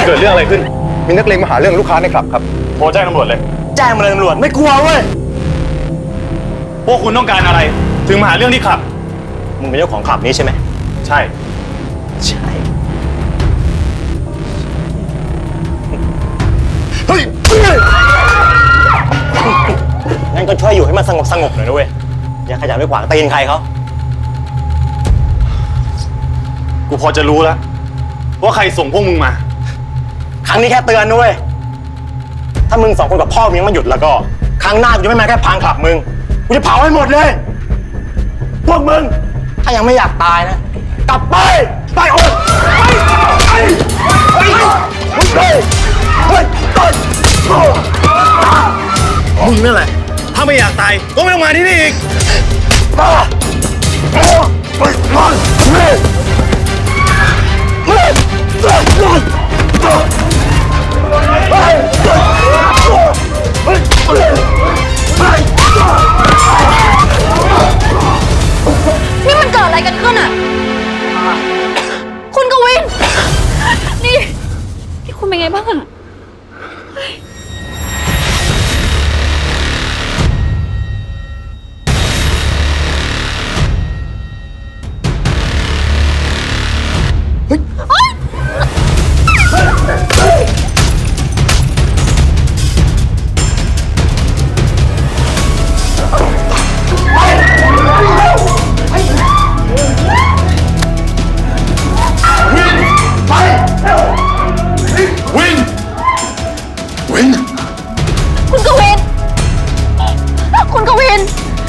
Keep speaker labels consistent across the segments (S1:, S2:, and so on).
S1: เกิดเรื่องอะไรขึ้นมีนักเลงมาหาเรื่องลูกค้าในคลับครับโทรแจ้งตำรวจเลย
S2: แจ้งมาเลยตำรวจไม่กลัวเว้ย
S1: พวกคุณต้องการอะไรถึงมาหาเรื่องที่คลับ
S2: มึงเป็นเจ้าของคลับนี้ใช่ไหม
S1: ใช่เฮ้ย
S2: งั้นก็ช่วยอยู่ให้มันสงบหน่อยนะเว้ยอย่าขยันไปขวางตีนใครเขา
S1: กูพอจะรู้แล้วว่าใครส่งพวกมึงมา
S2: ครั้งนี้แค่เตือนนะเว้ยถ้ามึง2 คนกับพ่อมึงยังไม่หยุดแล้วก็ครั้งหน้ากูจะไม่มาแค่พังคลับมึงกูจะเผาให้หมดเลยพวกมึงถ้ายังไม่อยากตายนะกลับไปโอ๊ย
S1: มึงนั่นแหละถ้าไม่อยากตายก็ไม่ต้องมาที่นี่อีก
S3: นี่มันเกิดอะไรกันขึ้นอ่ะคุณกวินนี่คุณเป็นไงบ้างอ่ะคุณกวิน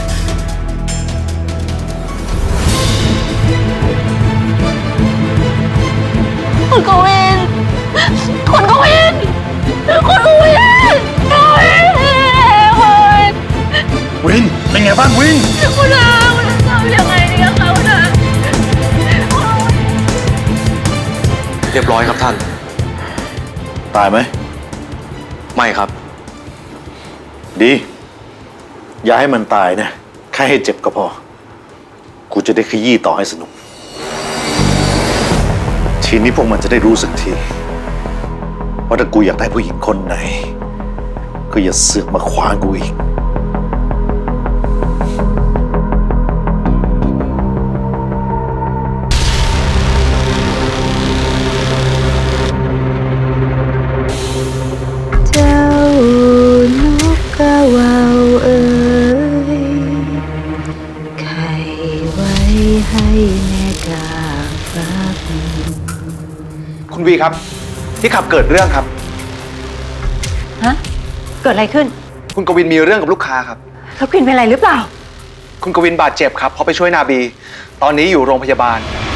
S3: คุณกวินคุณกวินคุณกวิน
S1: วินเป็นไงบ้างวิน
S3: คุณอาทำยังไงดีคะคุณอา
S4: เรียบร้อยครับท่าน
S1: ตายไหม
S4: ไม่ครับ
S1: ดีอย่าให้มันตายนะแค่ให้เจ็บก็พอกูจะได้ขยี้ต่อให้สนุกทีนี้พวกมันจะได้รู้สึกทีว่าถ้ากูอยากได้ผู้หญิงคนไหนก็อย่าเสือกมาขวางกูอีก
S3: เจ้านกกระวาวเอ๋ยไข่ไว้ให้แม่กาฟัก
S5: คุณวีครับที่ขับเกิดเรื่องครับ
S3: ฮะเกิดอะไรขึ้น
S5: คุณกวินมีเรื่องกับลูกค้าครับ
S3: แล้วกวินเป็นอะไรหรือเปล่า
S5: คุณกวินบาดเจ็บครับเพราะไปช่วยนาบีตอนนี้อยู่โรงพยาบาล